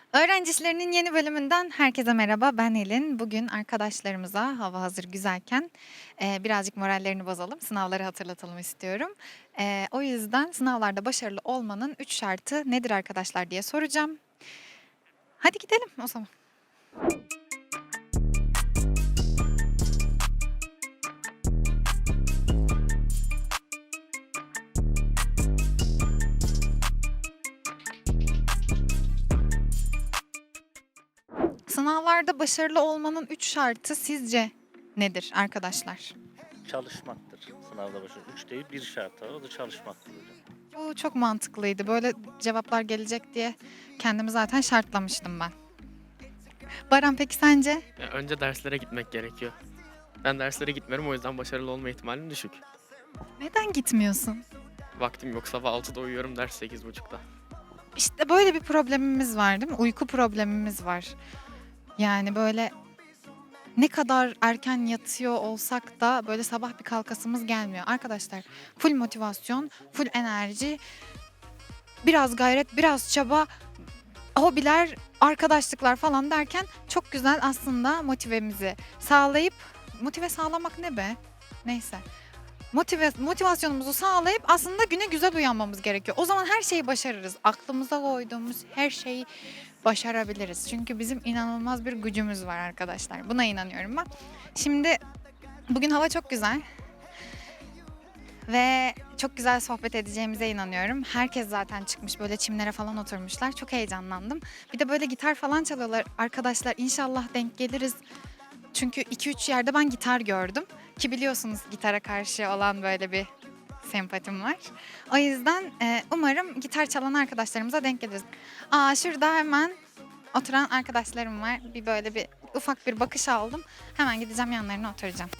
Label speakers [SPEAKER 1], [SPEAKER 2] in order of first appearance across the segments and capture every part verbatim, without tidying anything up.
[SPEAKER 1] Öğrenci İşleri'nin yeni bölümünden herkese merhaba. Ben Elin. Bugün arkadaşlarımıza hava hazır güzelken eee, birazcık morallerini bozalım, sınavları hatırlatalım istiyorum. Eee, o yüzden sınavlarda başarılı olmanın üç şartı nedir arkadaşlar diye soracağım. Hadi gidelim o zaman. Sınavlarda başarılı olmanın üç şartı sizce nedir arkadaşlar?
[SPEAKER 2] Çalışmaktır sınavda başarı. üç değil bir şart var. O da çalışmaktır hocam.
[SPEAKER 1] Bu çok mantıklıydı. Böyle cevaplar gelecek diye kendimi zaten şartlamıştım ben. Baran peki sence?
[SPEAKER 3] Ya önce derslere gitmek gerekiyor. Ben derslere gitmiyorum, o yüzden başarılı olma ihtimalim düşük.
[SPEAKER 1] Neden gitmiyorsun?
[SPEAKER 3] Vaktim yok, sabah altıda uyuyorum, ders sekiz buçukta.
[SPEAKER 1] İşte böyle bir problemimiz var değil mi? Uyku problemimiz var. Yani böyle ne kadar erken yatıyor olsak da böyle sabah bir kalkasımız gelmiyor. Arkadaşlar full motivasyon, full enerji, biraz gayret, biraz çaba, hobiler, arkadaşlıklar falan derken çok güzel aslında motivemizi sağlayıp motive sağlamak ne be? Neyse. Motive, motivasyonumuzu sağlayıp aslında güne güzel uyanmamız gerekiyor. O zaman her şeyi başarırız. Aklımıza koyduğumuz her şeyi başarabiliriz. Çünkü bizim inanılmaz bir gücümüz var arkadaşlar. Buna inanıyorum ben. Şimdi bugün hava çok güzel ve çok güzel sohbet edeceğimize inanıyorum. Herkes zaten çıkmış böyle çimlere falan oturmuşlar. Çok heyecanlandım. Bir de böyle gitar falan çalıyorlar arkadaşlar. İnşallah denk geliriz. Çünkü iki üç yerde ben gitar gördüm. Ki biliyorsunuz gitara karşı olan böyle bir sempatim var. O yüzden e, umarım gitar çalan arkadaşlarımıza denk geliriz. Aa şurada hemen oturan arkadaşlarım var. Bir böyle bir ufak bir bakış aldım. Hemen gideceğim yanlarına oturacağım.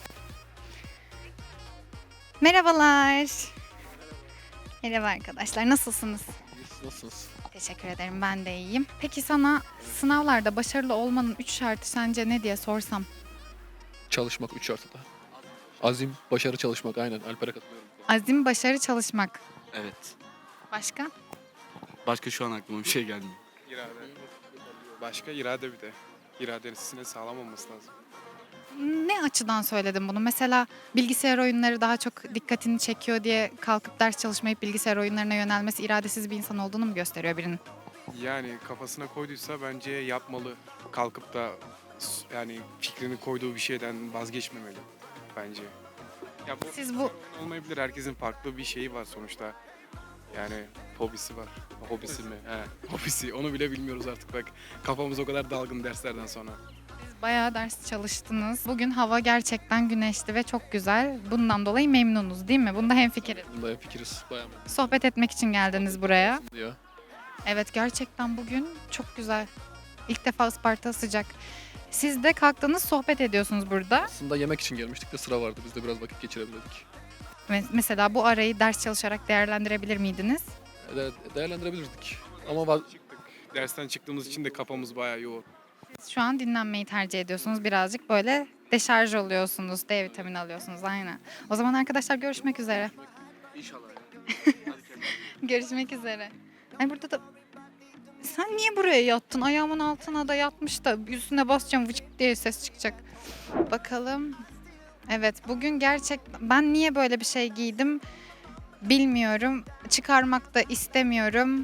[SPEAKER 1] Merhabalar. Merhaba arkadaşlar. Nasılsınız?
[SPEAKER 3] Nasılsınız?
[SPEAKER 1] Teşekkür ederim. Ben de iyiyim. Peki sana sınavlarda başarılı olmanın üç şartı sence ne diye sorsam?
[SPEAKER 4] Çalışmak üç artıda. Azim, başarı çalışmak aynen. Alper'e katılıyorum.
[SPEAKER 1] Azim, başarı, çalışmak.
[SPEAKER 5] Evet.
[SPEAKER 1] Başka?
[SPEAKER 5] Başka şu an aklıma bir şey gelmiyor.
[SPEAKER 6] İrade. Başka irade bir de. İradesine sağlam olması lazım.
[SPEAKER 1] Ne açıdan söyledim bunu? Mesela bilgisayar oyunları daha çok dikkatini çekiyor diye kalkıp ders çalışmayıp bilgisayar oyunlarına yönelmesi iradesiz bir insan olduğunu mu gösteriyor birinin?
[SPEAKER 6] Yani kafasına koyduysa bence yapmalı. Kalkıp da s- yani fikrini koyduğu bir şeyden vazgeçmemeli bence. Ya bu
[SPEAKER 1] Siz bu
[SPEAKER 6] olmayabilir. Herkesin farklı bir şeyi var sonuçta. Yani hobisi var. Hobisi mi? He, hobisi. Onu bile bilmiyoruz artık bak. Kafamız o kadar dalgın derslerden sonra.
[SPEAKER 1] siz bayağı ders çalıştınız. Bugün hava gerçekten güneşli ve çok güzel. Bundan dolayı memnunuz değil mi? Bunda hemfikiriz.
[SPEAKER 4] Bunda fikiriz. Bayağı memnunum
[SPEAKER 1] Sohbet etmek için geldiniz buraya.
[SPEAKER 4] ya.
[SPEAKER 1] Evet gerçekten bugün çok güzel. İlk defa Isparta sıcak. Siz de kalktınız sohbet ediyorsunuz burada.
[SPEAKER 4] Aslında yemek için gelmiştik de sıra vardı. Biz de biraz vakit geçirelim dedik.
[SPEAKER 1] Ve mesela bu arayı ders çalışarak değerlendirebilir miydiniz?
[SPEAKER 4] E, De değerlendirebilirdik. Ama vaz-
[SPEAKER 6] Çıktık. Dersten çıktığımız için de kafamız bayağı yoğun.
[SPEAKER 1] Siz şu an dinlenmeyi tercih ediyorsunuz. Birazcık böyle deşarj oluyorsunuz. D vitamini alıyorsunuz aynen. O zaman arkadaşlar görüşmek üzere.
[SPEAKER 4] İnşallah ya.
[SPEAKER 1] Görüşmek üzere. Ay burada da sen niye buraya yattın? Ayağımın altına da yatmış da üstüne basacağım vıcık diye ses çıkacak. Bakalım. Evet bugün gerçek ben niye böyle bir şey giydim bilmiyorum. Çıkarmak da istemiyorum.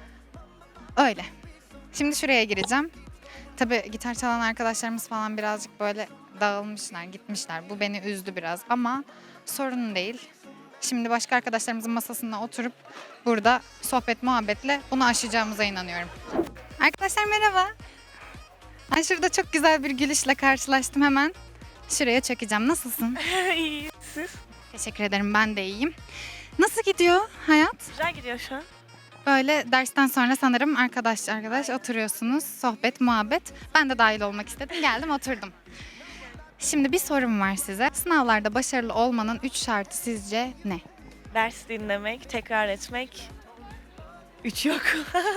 [SPEAKER 1] Öyle. Şimdi şuraya gireceğim. Tabii gitar çalan arkadaşlarımız falan birazcık böyle dağılmışlar, gitmişler. Bu beni üzdü biraz ama sorun değil. Şimdi başka arkadaşlarımızın masasına oturup burada sohbet muhabbetle bunu aşacağımıza inanıyorum. Arkadaşlar merhaba. Ay şurada çok güzel bir gülüşle karşılaştım hemen. Şuraya çekeceğim. Nasılsın?
[SPEAKER 7] İyi, siz?
[SPEAKER 1] Teşekkür ederim. Ben de iyiyim. Nasıl gidiyor hayat?
[SPEAKER 7] Güzel gidiyor şu an.
[SPEAKER 1] Böyle dersten sonra sanırım arkadaş arkadaş oturuyorsunuz. Sohbet, muhabbet. Ben de dahil olmak istedim. Geldim oturdum. Şimdi bir sorum var size. Sınavlarda başarılı olmanın üç şartı sizce ne?
[SPEAKER 7] Ders dinlemek, tekrar etmek. Üç yok.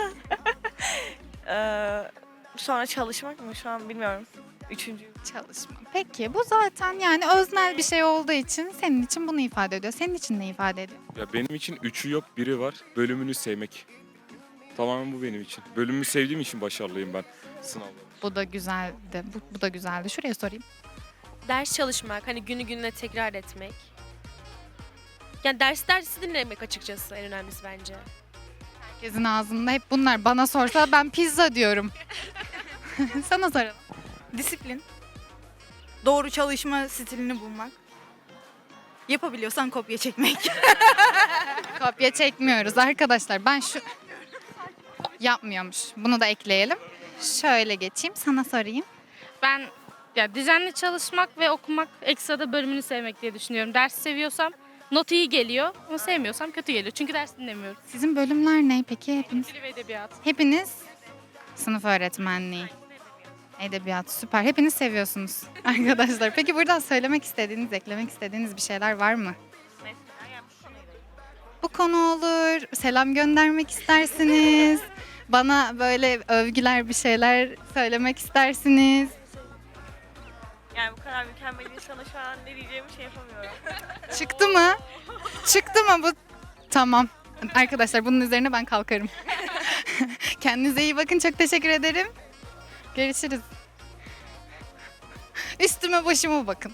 [SPEAKER 7] Ee, sonra çalışmak mı? Şu an bilmiyorum. Üçüncü.
[SPEAKER 1] Çalışma. Peki bu zaten yani öznel bir şey olduğu için senin için bunu ifade ediyor. Senin için ne ifade ediyor?
[SPEAKER 8] Ya benim için üçü yok, biri var. Bölümünü sevmek. Tamamen bu benim için. Bölümümü sevdiğim için başarılıyım ben sınavda.
[SPEAKER 1] Bu da güzeldi. Bu, bu da güzeldi. Şuraya sorayım.
[SPEAKER 9] Ders çalışmak, hani günü gününe tekrar etmek. Yani ders dersi dinlemek açıkçası en önemlisi bence.
[SPEAKER 1] Herkesin ağzında hep bunlar. Bana sorsa ben pizza diyorum. Sana soralım.
[SPEAKER 10] Disiplin. Doğru çalışma stilini bulmak. Yapabiliyorsan kopya çekmek.
[SPEAKER 1] Kopya çekmiyoruz arkadaşlar. Ben şu... Yapmıyormuş. Bunu da ekleyelim. Şöyle geçeyim. Sana sorayım.
[SPEAKER 11] Ben ya düzenli çalışmak ve okumak, ekstra da bölümünü sevmek diye düşünüyorum. Ders seviyorsam not iyi geliyor ama sevmiyorsam kötü geliyor. Çünkü ders dinlemiyorum.
[SPEAKER 1] Sizin bölümler ne peki? Hepiniz,
[SPEAKER 11] Dil ve edebiyat.
[SPEAKER 1] hepiniz sınıf öğretmenliği. Edebiyat süper. Hepiniz seviyorsunuz arkadaşlar. Peki buradan söylemek istediğiniz, eklemek istediğiniz bir şeyler var mı? Bu konu olur. Selam göndermek istersiniz. Bana böyle övgüler bir şeyler söylemek istersiniz.
[SPEAKER 7] Yani bu kadar mükemmel insana şu an ne diyeceğimi şey yapamıyorum.
[SPEAKER 1] Çıktı mı? Çıktı mı bu? Tamam. Arkadaşlar bunun üzerine ben kalkarım. Kendinize iyi bakın. Çok teşekkür ederim. Görüşürüz. Üstüme başıma bakın.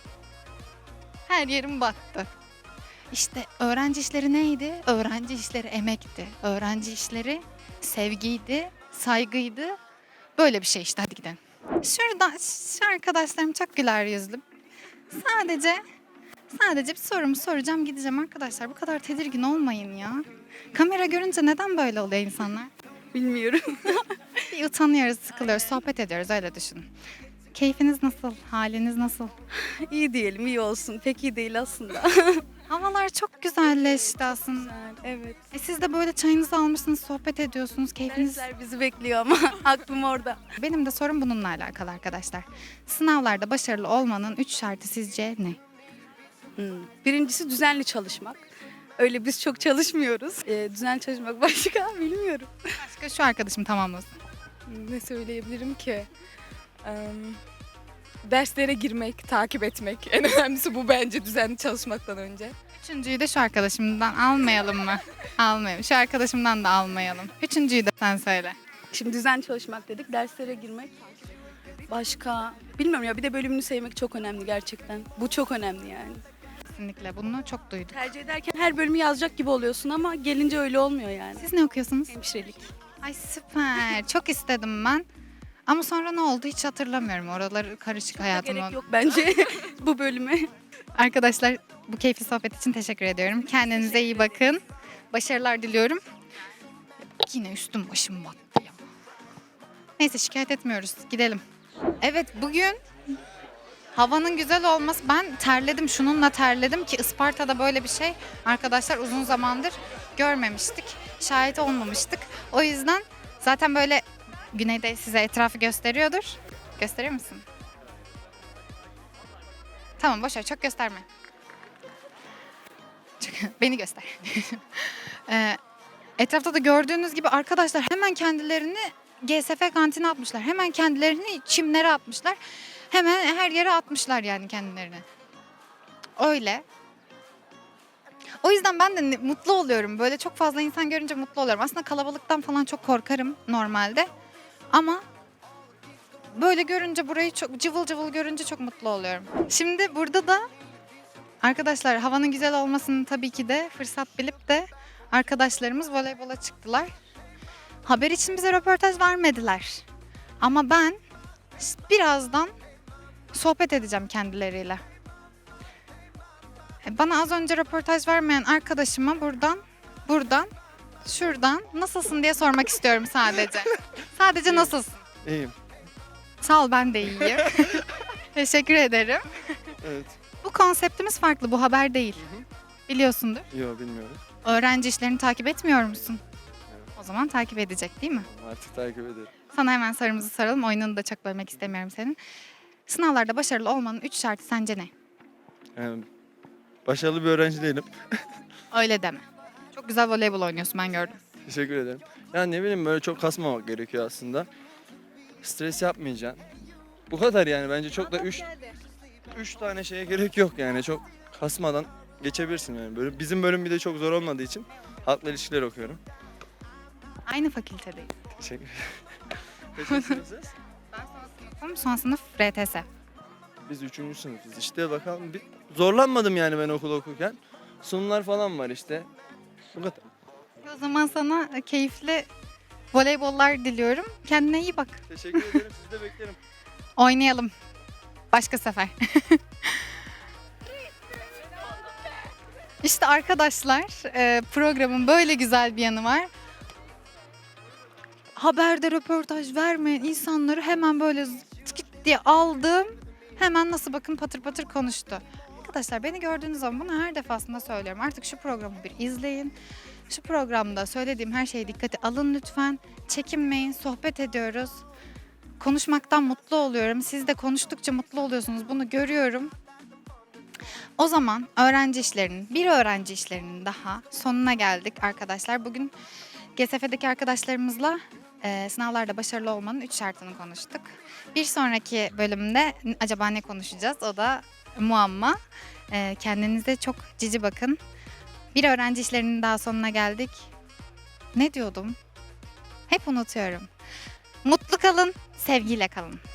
[SPEAKER 1] Her yerim battı. İşte öğrenci işleri neydi? Öğrenci işleri emekti. Öğrenci işleri sevgiydi, saygıydı. Böyle bir şey işte. Hadi gidelim. Şurada şu arkadaşlarım çok güler yüzlü. Sadece sadece bir sorumu soracağım gideceğim arkadaşlar. Bu kadar tedirgin olmayın ya. Kamera görünce neden böyle oluyor insanlar?
[SPEAKER 10] Bilmiyorum.
[SPEAKER 1] Bir utanıyoruz, sıkılıyoruz, sohbet ediyoruz öyle düşünün. Keyfiniz nasıl? Haliniz nasıl?
[SPEAKER 10] İyi diyelim, iyi olsun. Pek iyi değil aslında.
[SPEAKER 1] Havalar çok güzelleşti aslında.
[SPEAKER 10] Evet.
[SPEAKER 1] E siz de böyle çayınızı almışsınız, sohbet ediyorsunuz, keyfiniz...
[SPEAKER 10] Dersler bizi bekliyor ama aklım orada.
[SPEAKER 1] Benim de sorum bununla alakalı arkadaşlar. Sınavlarda başarılı olmanın üç şartı sizce ne?
[SPEAKER 10] Hmm. Birincisi düzenli çalışmak. Öyle biz çok çalışmıyoruz. Ee, düzenli çalışmak başka bilmiyorum.
[SPEAKER 1] Başka şu arkadaşım tamamlasın.
[SPEAKER 12] Ne söyleyebilirim ki? Eee, derslere girmek, takip etmek. En önemlisi bu bence düzenli çalışmaktan önce.
[SPEAKER 1] Üçüncüyü de şu arkadaşımdan almayalım mı? Almayalım. Şu arkadaşımdan da almayalım. Üçüncüyü de sen söyle.
[SPEAKER 10] Şimdi düzenli çalışmak dedik, derslere girmek. Başka bilmiyorum ya, bir de bölümünü sevmek çok önemli gerçekten. Bu çok önemli yani.
[SPEAKER 1] Kesinlikle bunu çok duyduk.
[SPEAKER 10] Tercih ederken her bölümü yazacak gibi oluyorsun ama gelince öyle olmuyor yani.
[SPEAKER 1] Siz ne okuyorsunuz?
[SPEAKER 10] Hemşirelik.
[SPEAKER 1] Ay süper. Çok istedim ben. Ama sonra ne oldu hiç hatırlamıyorum. Oraları karışık hayatım
[SPEAKER 10] Gerek
[SPEAKER 1] oldu.
[SPEAKER 10] yok bence bu bölüme.
[SPEAKER 1] Arkadaşlar bu keyifli sohbet için teşekkür ediyorum. Kendinize iyi bakın. Başarılar diliyorum. Yine üstüm başım battı ya. Neyse şikayet etmiyoruz. Gidelim. Evet bugün havanın güzel olması. Ben terledim. Şununla terledim ki Isparta'da böyle bir şey arkadaşlar uzun zamandır görmemiştik. Şahit olmamıştık. O yüzden zaten böyle güneyde size etrafı gösteriyordur. Gösterir misin? Tamam boş ver çok gösterme. Çok- Beni göster. Ee, etrafta da gördüğünüz gibi arkadaşlar hemen kendilerini G S F kantine atmışlar. Hemen kendilerini çimlere atmışlar. Hemen her yere atmışlar yani kendilerini. Öyle. O yüzden ben de ne- mutlu oluyorum. Böyle çok fazla insan görünce mutlu oluyorum. Aslında kalabalıktan falan çok korkarım normalde. Ama böyle görünce burayı çok cıvıl cıvıl görünce çok mutlu oluyorum. Şimdi burada da arkadaşlar havanın güzel olmasını tabii ki de fırsat bilip de arkadaşlarımız voleybola çıktılar. Haber için bize röportaj vermediler. Ama ben birazdan sohbet edeceğim kendileriyle. E, Bana az önce röportaj vermeyen arkadaşıma buradan, buradan, şuradan nasılsın diye sormak istiyorum sadece. Sadece nasılsın?
[SPEAKER 13] İyiyim.
[SPEAKER 1] Sağ ol ben de iyiyim. Teşekkür ederim.
[SPEAKER 13] Evet.
[SPEAKER 1] Bu konseptimiz farklı, bu haber değil. Biliyorsundur.
[SPEAKER 13] Yok bilmiyorum.
[SPEAKER 1] Öğrenci işlerini takip etmiyor musun? O zaman takip edecek değil mi?
[SPEAKER 13] Artık takip ederim.
[SPEAKER 1] Sana hemen sorumuzu soralım. Oyununu da çok bölmek istemiyorum senin. Sınavlarda başarılı olmanın üç şartı sence ne?
[SPEAKER 13] Yani başarılı bir öğrenci değilim.
[SPEAKER 1] Öyle deme. Çok güzel voleybol oynuyorsun ben gördüm.
[SPEAKER 13] Teşekkür ederim. Yani ne bileyim böyle çok kasmamak gerekiyor aslında. Stres yapmayacaksın. Bu kadar yani bence çok da üç, üç tane şeye gerek yok yani çok kasmadan geçebilirsin yani. Böyle bizim bölüm bir de çok zor olmadığı için halkla ilişkiler okuyorum.
[SPEAKER 1] Aynı fakültedeyiz.
[SPEAKER 13] Teşekkür Kaçıncı sınıfsınız?
[SPEAKER 1] Ben son sınıfım, son sınıf R T S.
[SPEAKER 13] Biz üçüncü sınıfız. İşte bakalım bir zorlanmadım yani ben okul okurken. Sunumlar falan var işte. Bu kadar.
[SPEAKER 1] O zaman sana keyifli voleybollar diliyorum. Kendine iyi bak.
[SPEAKER 13] Teşekkür ederim. Sizi de beklerim.
[SPEAKER 1] Oynayalım. Başka sefer. İşte arkadaşlar e, programın böyle güzel bir yanı var. Haberde röportaj vermeyen insanları hemen böyle tıkıt diye aldım. Hemen nasıl bakın patır patır konuştu. Arkadaşlar beni gördüğünüz zaman bunu her defasında söylüyorum. Artık şu programı bir izleyin. Şu programda söylediğim her şeye dikkate alın lütfen. Çekinmeyin, sohbet ediyoruz. Konuşmaktan mutlu oluyorum. Siz de konuştukça mutlu oluyorsunuz. Bunu görüyorum. O zaman öğrenci işlerinin, bir öğrenci işlerinin daha sonuna geldik arkadaşlar. Bugün G S F'deki arkadaşlarımızla e, sınavlarda başarılı olmanın üç şartını konuştuk. Bir sonraki bölümde acaba ne konuşacağız? O da muamma. E, kendinize çok cici bakın. Bir öğrenci işlerinin daha sonuna geldik. Ne diyordum? Hep unutuyorum. Mutlu kalın, sevgiyle kalın.